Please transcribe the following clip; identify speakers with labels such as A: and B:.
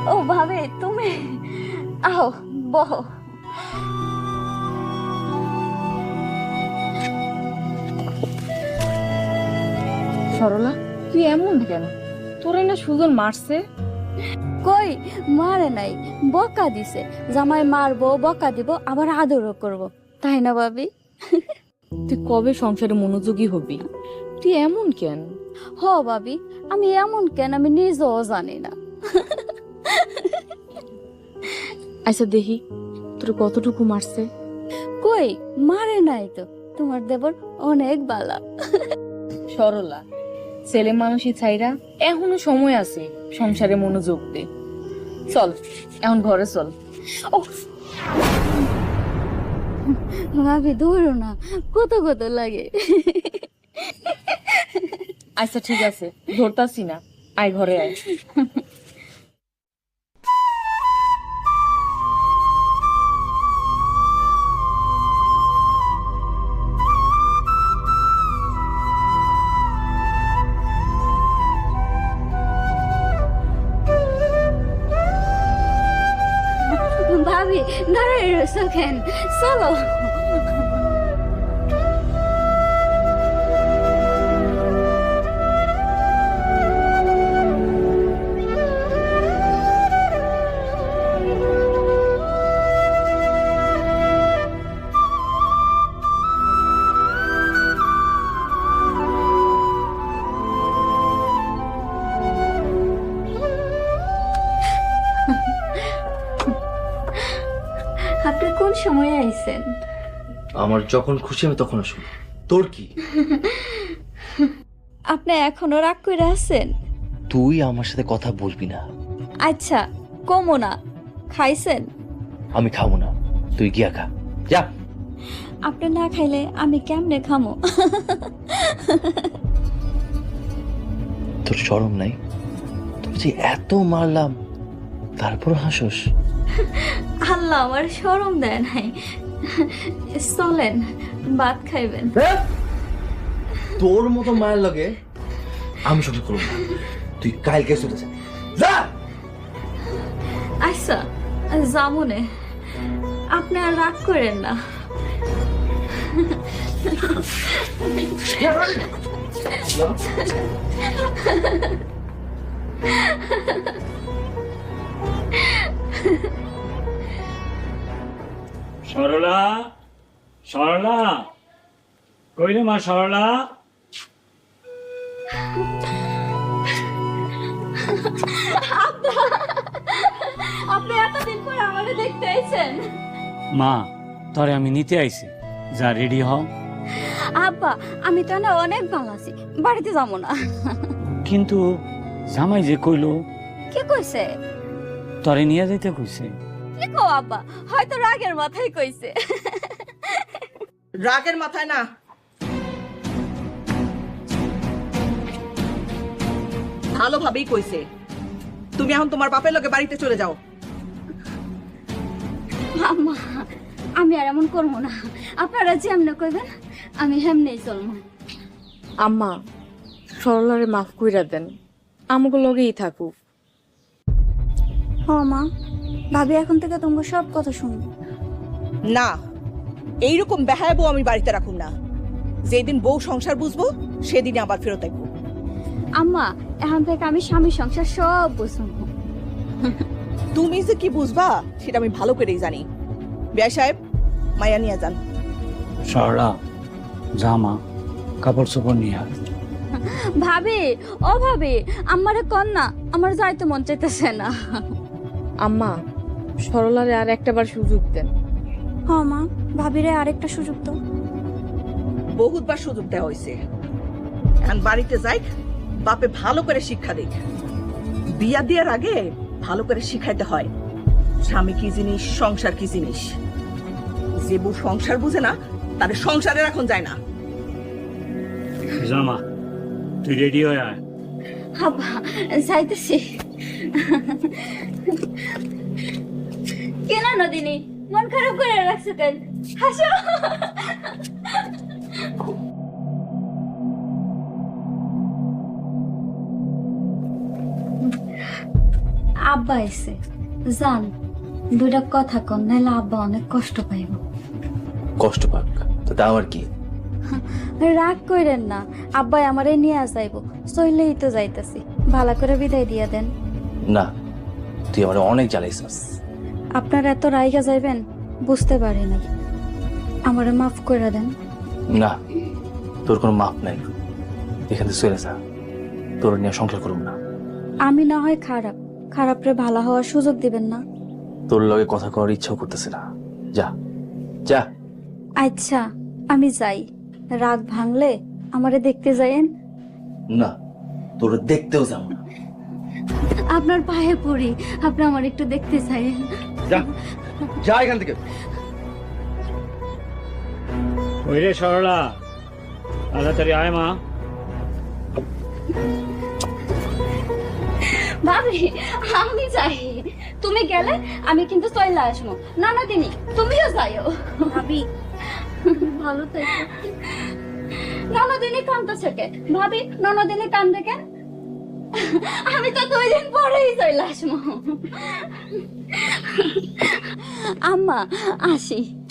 A: ও ভাবি তুমি আও বহো।
B: সরলা তুই এমন কেন? তোরে না সুজন মারছে?
A: কই মারে নাই, বকা দিছে। জামাই মারবো, বকা দিব, আবার আদরও করব, তাই না ভাবি?
B: তুই কবে সংসারে মনোযোগী হবি? তুই এমন কেন?
A: হ ভাবি, আমি এমন কেন আমি নিজেও জানি না।
B: আচ্ছা দেখি তোর কতটুকু মারছে।
A: কই মারে নাই তো, তোমার দেবর অনেক বালা।
B: সরলা ছেলে মানুষই ছাইরা এখনো সময় আছে সংসারে মনোযোগ দে। চল এখন ঘরে চল।
A: ও ভাবি ধরো না, কত কত লাগে।
B: আচ্ছা ঠিক আছে ধরতাছি না, আয় ঘরে আয়।
A: ভাবি দাঁড়াই রয়েছো কেন, চলো। আপনি কোন সময় আইছেন?
C: আমার যখন খুশি আমি তখন আসবো, তোর কি?
A: আপনি এখনো রাগ করে আছেন?
C: তুই আমার সাথে কথা বলবি না।
A: আচ্ছা কমো না, খাইছেন?
C: আমি খাবো না, তুই গিয়া খা যা।
A: আপনি না খাইলে আমি কেমনে খামো?
C: তোর শরম নাই? তোর যে এত মারলাম তারপর হাসোস?
A: আল্লাহ আমার শরম দেয় নাই। চলেন ভাত খাইবেন।
C: তোর মতো মায়ের লগে আমি সব করবো না, তুই কালকে চলে যা।
A: আচ্ছা জামুনে, আপনি আর রাগ করেন না।
D: সরলা, সরলা, কইলে মা সরলা?
A: আপনি এতদিন পর আমাকে দেখতে আইছেন?
D: মা তরে আমি নিতে আইছি, যা রেডি হও।
A: আব্বা আমি তো না অনেক ভালো আছি, বাড়িতে যাবো না।
D: কিন্তু জামাই যে কইলো
A: কে কইছে?
D: তরে নিয়ে যাইতে কইছে।
A: কি কো আব্বা, হয়তো রাগের মাথায় কইছে।
E: রাগের মাথায় না, ভালোভাবেই কইছে। তুমি এখন তোমার বাপের লগে বাড়িতে চলে যাও।
A: আম্মা আমি আর এমন করবো না, আপনারা যেমনে কইবেন আমি হেমনেই চলবো।
B: আম্মা সরলারে মাফ কইরা দেন, আমাকে লগেই থাকুক।
A: হ মা, ভাবি এখন থেকে তোমার সব কথা শুনবো।
E: না, এইরকম বেহায়া বউ আমি বাড়িতে রাখুম না। যেদিন বউ সংসার বুঝবো সেদিনে আবার ফেরত আসবো।
A: আম্মা এখন থেকে আমি স্বামী সংসার সব বুঝবো।
E: তুমি যে কি বুঝবা সেটা আমি ভালো করেই জানি। বিয়া সাহেব, মায়া নিয়ে যান।
D: সরলা জামা কাপড় চোপড় নিয়ে আয়।
A: ভাবি ও ভাবি, আমারে কন না, আমার যাইতে মন চাইতেছে না।
B: আম্মা সরলারে আর একটাবার সুযোগ দেন।
A: হ মা, ভাবিরে আরেকটা সুযোগ তো।
E: বহুতবার সুযোগ দেওয়া হয়েছে, এখন বাড়িতে যাই, বাপে ভালো করে শিক্ষা দিক। বিয়া দেওয়ার আগে ভালো করে শিখাইতে হয় স্বামী কি জিনিস, সংসার কি জিনিস। যে বউ সংসার বুঝে না তাদের সংসারের এখন যায় না।
D: জামা তুই রেডি হয়ে আয়।
A: আব্বা যাইতেছি। কেন নদিনী মন খারাপ করে রাখছো কেন? হাসো। আব্বা এসে জান দুইটা কথা কন, নাহলে আব্বা অনেক কষ্ট পাইব।
C: কষ্ট পাক তো তা আমার কি?
A: রাগ কইরেন না, আব্বাই আমারে নিয়ে যাইব, চইলেই তো যাইতাছি, ভালো করে বিদায় দিয়া দেন।
C: না, তুই আমার অনেক জ্বালাইছিস।
A: আপনার এত রাইগা যাইবেন বুঝতে পারি না, আমারে মাফ করে দেন।
C: না, তোর কোনো মাপ নাই, এখান থেকে চলে যা, তোর নিয়ে সংসার করুম না।
A: আমি না হয় খারাপ, খারাপরে ভালো হওয়ার সুযোগ দিবেন না।
C: তোর লগে কথা করার ইচ্ছাও করতেছে না, যা যা।
A: আচ্ছা আমি যাই, রাগ ভাঙলে আমারে দেখতে যাইয়েন।
C: না, তোর দেখতেও যাবো না।
A: আপনার পায়ে পড়ি, আপনি আমার একটু দেখতে চাইয়েন।
C: যা যা এখান থেকে।
D: ওই রে সরলা, তাড়াতাড়ি আয় মা।
A: ভাবি আমি যাই, তুমি গেলে আমি কিন্তু চলে আসবো। না না দিনি তুমিও যাইও। ভাবি ভালো থেকো। ননদিনী কান্দতেছে কেন ভাবি? ননদিনী কান্দে কেন? আমি তো 2 দিন পরেই চলে আসবো। আম্মা আসি।